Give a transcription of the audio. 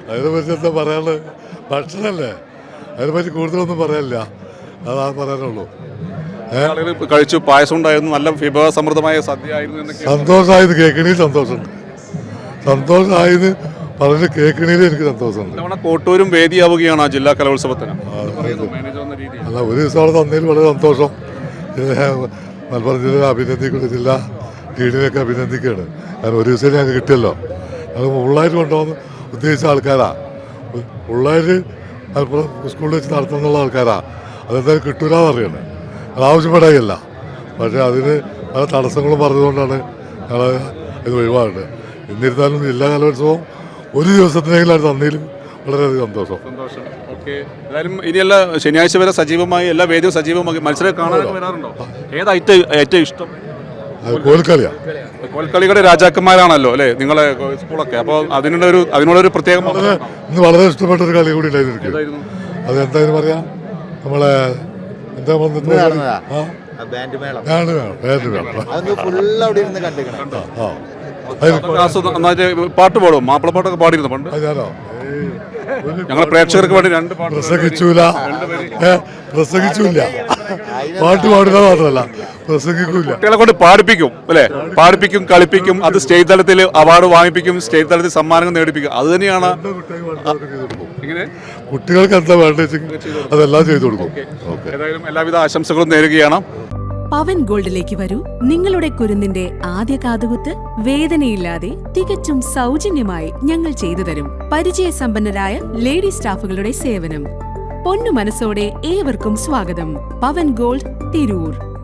അതിനെപ്പറ്റി എന്താ പറയാനുള്ളത്? ഭക്ഷണമല്ലേ, അതിനെപ്പറ്റി കൂടുതലൊന്നും പറയാനില്ല, അതാണ് പറയാനുള്ളൂ. കഴിച്ചു, പായസം ഉണ്ടായിരുന്നു, നല്ല വിഭവസമൃദ്ധമായ സദ്യ ആയിരുന്നു. സന്തോഷമായത് കേൾക്കണേൽ സന്തോഷമുണ്ട്, സന്തോഷമായത് പറഞ്ഞ് കേൾക്കണേൽ എനിക്ക് സന്തോഷമുണ്ട്. കോട്ടൂരും വേദിയാവുകയാണ് ആ ജില്ലാ കലോത്സവത്തിന്. അല്ല, ഒരു ദിവസം അവിടെ തന്നതിൽ വളരെ സന്തോഷം. മലപ്പുറം ജില്ലയെ അഭിനന്ദിക്കുന്ന ജില്ലാ ടീമിനെയൊക്കെ അഭിനന്ദിക്കുകയാണ്. കാരണം ഒരു ദിവസം ഞങ്ങൾക്ക് കിട്ടിയല്ലോ. ഞങ്ങൾ ഫുള്ളായിട്ട് കൊണ്ടുപോകുന്ന ഉദ്ദേശിച്ച ആൾക്കാരാണ്. ഫുള്ളായിട്ട് മലപ്പുറം സ്കൂളിൽ വെച്ച് നടത്തുന്നുള്ള ആൾക്കാരാണ്. അതെന്തായാലും കിട്ടൂലെന്ന് അറിയണം. അത് ആവശ്യപ്പെടായില്ല, പക്ഷേ അതിന് പല തടസ്സങ്ങളും പറഞ്ഞുകൊണ്ടാണ് ഞങ്ങൾ ഇത് ഒഴിവാകുന്നത്. എന്നിരുന്നാലും ജില്ലാ കലോത്സവം ഒരു ദിവസത്തിനെങ്കിലും അത് തന്നതിലും വളരെയധികം സന്തോഷം. ഏതായാലും ഇനിയല്ല, ശനിയാഴ്ച വരെ സജീവമായി എല്ലാ വേദിയും സജീവമാക്കി മത്സരം കാണാനൊക്കെ വരാറുണ്ടോ? ഏറ്റവും ഇഷ്ടം? കോൽക്കളിയാണ്. കോൽക്കളിയുടെ രാജാക്കന്മാരാണല്ലോ അല്ലേ നിങ്ങളെ സ്കൂളൊക്കെ? അപ്പോൾ അതിനുള്ളൊരു പ്രത്യേക ഇന്ന് വളരെ ഇഷ്ടപ്പെട്ടൊരു കളി കൂടി ഉണ്ടായിരുന്നു. അതെന്തായാലും പറയാം, നമ്മളെ എന്താ പാട്ട് പാടും, മാപ്പിളപ്പാട്ടൊക്കെ പാടിയിരുന്നു പണ്ട്. ഞങ്ങളെ പ്രേക്ഷകർക്ക് വേണ്ടി 2 പാട്ട് പ്രസംഗിച്ചില്ല, പാട്ട് പാടുക മാത്രമല്ല പ്രസംഗിക്കൂല. കുട്ടികളെ കൊണ്ട് പാടിപ്പിക്കും അല്ലേ? പാടിപ്പിക്കും, കളിപ്പിക്കും, അത് സ്റ്റേറ്റ് തലത്തിൽ അവാർഡ് വാങ്ങിപ്പിക്കും, സ്റ്റേറ്റ് തലത്തിൽ സമ്മാനങ്ങൾ നേടിപ്പിക്കും. അത് തന്നെയാണ് കുട്ടികൾക്ക് എന്താ വേണ്ടത് അതെല്ലാം ചെയ്തു കൊടുക്കും. ഏതായാലും എല്ലാവിധ ആശംസകളും നേരുകയാണ്. പവൻ ഗോൾഡിലേക്ക് വരൂ. നിങ്ങളുടെ കുരുന്നിന്റെ ആദ്യ കാതുകുത്ത് വേദനയില്ലാതെ തികച്ചും സൗജന്യമായി ഞങ്ങൾ ചെയ്തു തരും. പരിചയസമ്പന്നരായ ലേഡി സ്റ്റാഫുകളുടെ സേവനം. പൊന്നു മനസ്സോടെ ഏവർക്കും സ്വാഗതം. പവൻ ഗോൾഡ്, തിരൂർ.